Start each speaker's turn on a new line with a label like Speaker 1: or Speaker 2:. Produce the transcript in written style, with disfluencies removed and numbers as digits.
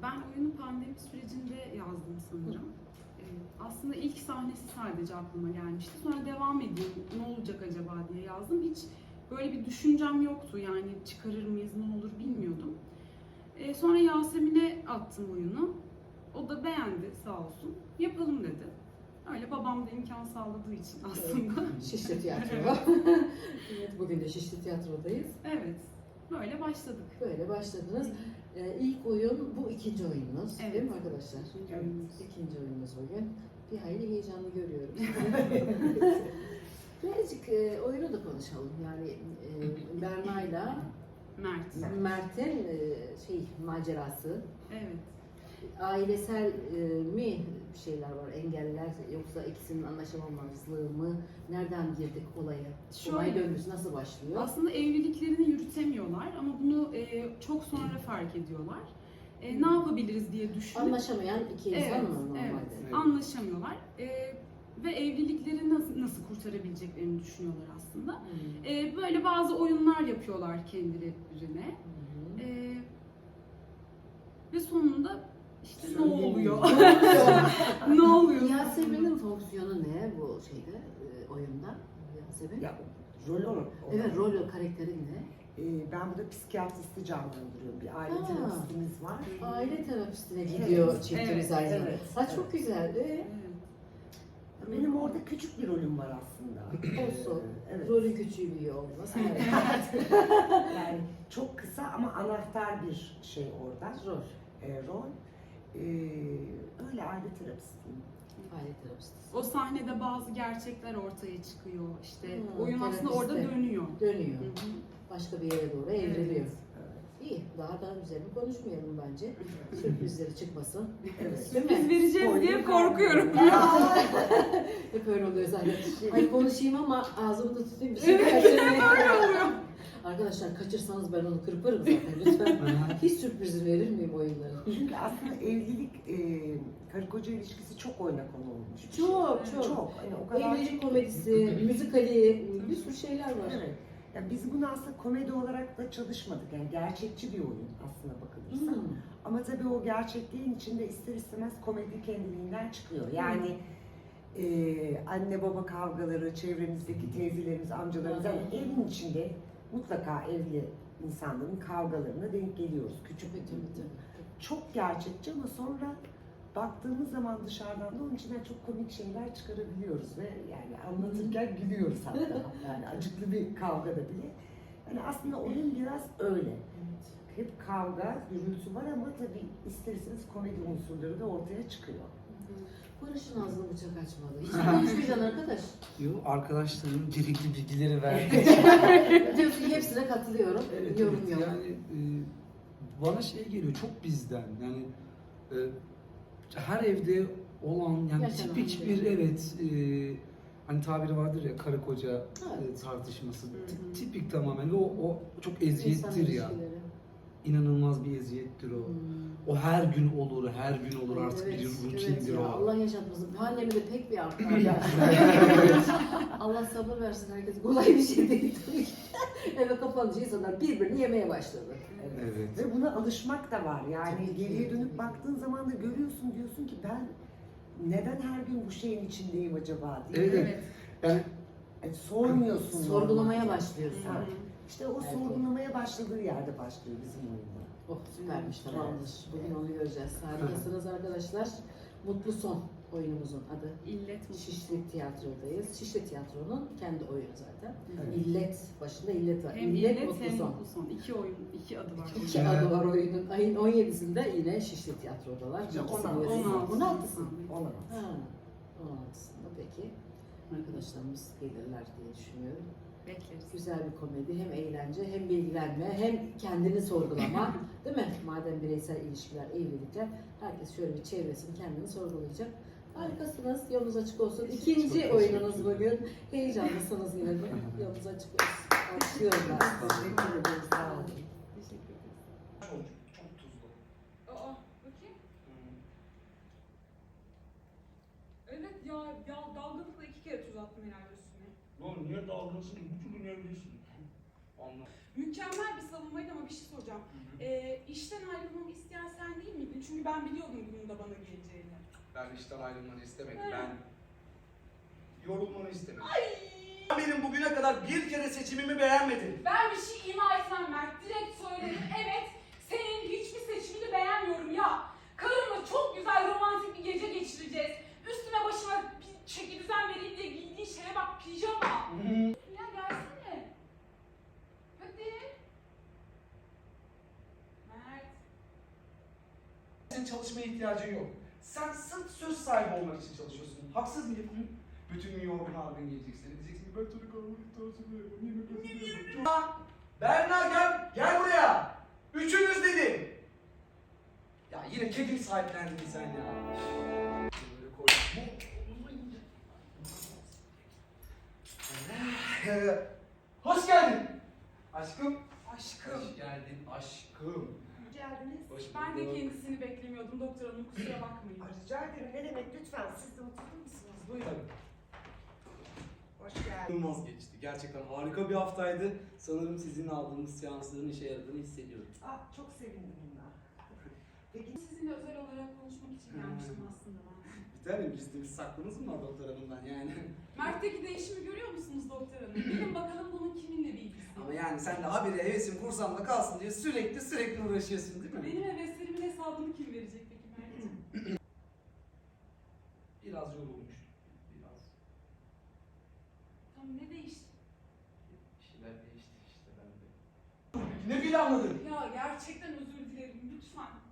Speaker 1: Ben oyunu pandemi sürecinde yazdım sanırım. Aslında ilk sahnesi sadece aklıma gelmişti. Sonra devam edeyim, ne olacak acaba diye yazdım. Hiç böyle bir düşüncem yoktu. Yani çıkarır mıyız, ne olur bilmiyordum. Sonra Yasemin'e attım oyunu. O da beğendi sağ olsun. Yapalım dedi. Öyle babam da imkan sağladığı için aslında.
Speaker 2: Şişli Tiyatro. Evet, bugün de Şişli Tiyatro'dayız.
Speaker 1: Evet, böyle başladık.
Speaker 2: Böyle başladınız. İlk oyun, bu ikinci oyununuz
Speaker 1: Evet.
Speaker 2: değil mi arkadaşlar?
Speaker 1: Evet.
Speaker 2: İkinci oyununuz bugün. Bir hayli heyecanlı görüyorum. Birazcık oyunu da konuşalım. Yani Berna'yla Mert'in macerası.
Speaker 1: Evet.
Speaker 2: Ailesel mi bir şeyler var, engeller, yoksa ikisinin anlaşamamazlığı mı? Nereden girdik olaya? Olay döngüsü nasıl başlıyor?
Speaker 1: Aslında evliliklerini yürütemiyorlar ama bunu çok sonra fark ediyorlar. Ne yapabiliriz diye düşünüp...
Speaker 2: Anlaşamayan iki insan mı normalde?
Speaker 1: Evet, anlaşamıyorlar. Ve evlilikleri nasıl kurtarabileceklerini düşünüyorlar aslında. Böyle bazı oyunlar yapıyorlar kendilerine. Ve sonunda işte ne oluyor? Ne oluyor?
Speaker 2: Yasemin'in fonksiyonu ne bu şeyde, oyunda? Yasemin?
Speaker 3: Ya, rolü o.
Speaker 2: Evet, rol karakteri ne?
Speaker 3: Ben burada psikiyatristi canlandırıyorum. Bir aile
Speaker 2: Ha.
Speaker 3: terapistimiz var.
Speaker 2: Aile terapistine gidiyor
Speaker 3: Evet,
Speaker 2: çiftimiz aynı zamanda.
Speaker 3: evet,
Speaker 2: Ha, çok
Speaker 3: evet.
Speaker 2: güzel.
Speaker 3: Benim orada küçük bir rolüm var aslında.
Speaker 2: Olsun.
Speaker 3: Evet.
Speaker 2: Rolün küçüğü büyüğü olmaz.
Speaker 3: Yani çok kısa ama anahtar bir şey orada.
Speaker 2: Rol.
Speaker 3: Rol. Öyle aile terapistiyim.
Speaker 2: Aile terapisti.
Speaker 1: O sahnede bazı gerçekler ortaya çıkıyor. İşte
Speaker 2: Hmm,
Speaker 1: oyun aslında orada
Speaker 2: terapiste.
Speaker 1: dönüyor.
Speaker 2: Dönüyor.
Speaker 1: Hı hı.
Speaker 2: Başka bir yere doğru evriliyor.
Speaker 3: Evet.
Speaker 2: İyi. Daha üzerine konuşmayalım bence. Sürprizleri çıkmasın.
Speaker 3: Evet.
Speaker 2: Değil
Speaker 1: Biz
Speaker 2: mi?
Speaker 1: vereceğiz diye korkuyorum.
Speaker 2: Hep öyle oluyor zaten. Ay konuşayım ama ağzımı da tutayım bir şey
Speaker 1: Evet,
Speaker 2: kaçırmayayım.
Speaker 1: böyle oluyor.
Speaker 2: Arkadaşlar kaçırsanız ben onu kırparım zaten lütfen. Hiç sürpriz verir miyim oyunlara?
Speaker 3: Çünkü aslında evlilik, karı koca ilişkisi çok oyuna konu olmuş. bir şey.
Speaker 2: Çok.
Speaker 3: Çok. Hani o kadar
Speaker 2: Evlilik komedisi, müzikali, bir sürü şeyler var.
Speaker 3: Evet. Yani biz bunu aslında komedi olarak da çalışmadık. Yani gerçekçi bir oyun aslında bakılırsa. Ama tabii o gerçekliğin içinde ister istemez komedi kendiliğinden çıkıyor. Yani anne baba kavgaları, çevremizdeki teyzelerimiz, amcalarımız, yani evin içinde mutlaka evli insanların kavgalarına denk geliyoruz. Küçük bir çok gerçekçi ama sonra baktığımız zaman dışarıdan da onun içinden çok komik şeyler çıkarabiliyoruz ve yani anlatırken gülüyoruz hatta. Yani acıklı bir kavgada bile. Yani aslında oyun biraz öyle. Hep kavga, gürültü var ama tabii isterseniz komedi unsurları da ortaya çıkıyor.
Speaker 2: Barış'ın ağzını bıçak açmadı. Hiç konuşmayacaksın arkadaş.
Speaker 4: Yok, arkadaşlarım gerekli bilgileri verdi.
Speaker 2: Diyorsun hepsine katılıyorum.
Speaker 4: Evet,
Speaker 2: Yorum
Speaker 4: evet.
Speaker 2: yok.
Speaker 4: Yani bana şey geliyor, çok bizden. Yani her evde olan, yani
Speaker 2: Yaşanan
Speaker 4: tipik
Speaker 2: bir-
Speaker 4: bir hani tabiri vardır ya, karı koca
Speaker 2: Evet.
Speaker 4: tartışması.
Speaker 1: Hı hı.
Speaker 4: Tipik tamamen ve o çok
Speaker 2: İnsan
Speaker 4: eziyettir ya.
Speaker 2: ilişkileri.
Speaker 4: İnanılmaz bir eziyettir o. O her gün olur, her gün olur, artık
Speaker 2: Evet,
Speaker 4: bir
Speaker 2: evet
Speaker 4: rutindir
Speaker 2: ya,
Speaker 4: o.
Speaker 2: Allah yaşatmasın. Annemi de pek bir aptal. Allah sabır versin herkes. Kolay bir şey değil tabii ki. Eve kapanınca insanlar birbirini yemeye başladı.
Speaker 4: Evet.
Speaker 3: Ve buna alışmak da var. Yani
Speaker 2: Tabii ki,
Speaker 3: geriye
Speaker 2: tabii
Speaker 3: dönüp
Speaker 2: ki.
Speaker 3: baktığın zaman da görüyorsun, diyorsun ki ben neden her gün bu şeyin içindeyim acaba diye.
Speaker 4: Evet. Yani
Speaker 3: Sormuyorsun.
Speaker 2: Sorgulamaya
Speaker 3: normalde.
Speaker 2: başlıyorsun.
Speaker 3: Ha. İşte o
Speaker 2: Evet.
Speaker 3: sorgulamaya başladığı yerde başlıyor bizim oyunlar.
Speaker 2: Oh süpermiş, tamamdır. Bugün onu göreceğiz. Harikasınız arkadaşlar. Mutlu Son oyunumuzun adı.
Speaker 1: İllet mi?
Speaker 2: Şişli Tiyatro'dayız. Şişli Tiyatro'nun kendi oyunu zaten.
Speaker 3: Evet.
Speaker 2: İllet, başında illet var.
Speaker 1: Hem
Speaker 2: İllet,
Speaker 1: illet
Speaker 2: Mutlu
Speaker 1: hem
Speaker 2: Son.
Speaker 1: mutlu son. İki oyun, iki adı var.
Speaker 2: İki adı var oyunun. Ayın 17'sinde yine Şişli Tiyatro'dalar.
Speaker 3: İşte
Speaker 2: İkisini
Speaker 3: 16'sı.
Speaker 2: yazın. 16'sı.
Speaker 3: Olamaz.
Speaker 2: Ha, 16'sında peki. Arkadaşlarımız gelirler diye düşünüyorum.
Speaker 1: Bekleriz.
Speaker 2: Güzel bir komedi, hem eğlence, hem bilgilenme, hem kendini sorgulama, değil mi? Madem bireysel ilişkiler, evlilikler, herkes şöyle bir çevresini, kendini sorgulayacak. Harikasınız, yolunuz açık olsun. İkinci oyununuz bugün. Heyecanlısınız yine de. Yolunuz açık olsun. Alkışlıyorum ben.
Speaker 3: Teşekkür ederim. Sağ olun.
Speaker 1: Teşekkür ederiz.
Speaker 4: çok tuzlu.
Speaker 5: Aa, bakayım. Evet ya, dalgınlıkla 2 kere tuz attım herhalde üstüne.
Speaker 6: Lan niye dalgasın? Bütün gün evlisin.
Speaker 5: Mükemmel bir savunmaydı ama bir şey soracağım. İşten ayrılmamı isteyen sen değil miydin? Çünkü Çünkü ben biliyordum bunun da bana geleceğini.
Speaker 4: Ben işten ayrılmanı istemedim. Ben yorulmanı istemedim.
Speaker 7: Benim bugüne kadar bir kere seçimimi beğenmedin.
Speaker 5: Ben bir şey ima etmem Mert. Direkt söyledim. Evet, senin hiçbir seçimini beğenmiyorum ya. Karımla çok güzel romantik bir gece geçireceğiz. Üstüme başıma bir çeki düzen vereyim diye giydiğin şeye bak, pijama. Ya gelsene. Hadi. Mert.
Speaker 7: Senin çalışmaya ihtiyacın yok. Sen sırf söz sahibi olmak için çalışıyorsun. Haksız mıyım?
Speaker 4: Bütün New York'un abin gelecek seni. Diyeceksin ki ben çocuk olmak istiyorum. Yemek
Speaker 7: Berna gel buraya. Üçünüz dedim. Ya yine kedim sahiplendin sen ya.
Speaker 4: Böyle koy.
Speaker 7: Hoş geldin. Aşkım.
Speaker 5: Aşkım.
Speaker 4: Hoş geldin aşkım.
Speaker 3: Geldiniz.
Speaker 4: Hoş
Speaker 5: Ben de
Speaker 4: bulduk.
Speaker 5: kendisini beklemiyordum doktor hanım, kusura bakmayın.
Speaker 3: Rica ederim. Ne demek? Lütfen siz de oturur musunuz? Buyurun.
Speaker 4: Tabii.
Speaker 3: Hoş geldiniz.
Speaker 8: İnanılmaz geçti. Gerçekten harika bir haftaydı. Sanırım sizin aldığınız seansların işe yaradığını hissediyorum.
Speaker 3: Ah, çok sevindim buna. Peki
Speaker 5: Sizinle özel olarak konuşmak için gelmiştim aslında ben.
Speaker 8: Bir tanem gizli bir saklınız mı var doktor hanımdan yani?
Speaker 5: Mert'teki değişimi görüyor musunuz doktor hanım? Bilin bakalım bunun kiminle bir ilgisi
Speaker 8: Ama
Speaker 5: var.
Speaker 8: yani sen de habire hevesin kursamda kalsın diye sürekli uğraşıyorsun değil mi?
Speaker 5: Benim heveslerimin hesabını kim verecek peki Mert'ciğim?
Speaker 4: Biraz yorulmuş. Biraz.
Speaker 5: Tamam, ne değişti?
Speaker 4: Bir şeyler değişti işte ben de.
Speaker 7: Ne planladın?
Speaker 5: Ya gerçekten özür dilerim lütfen.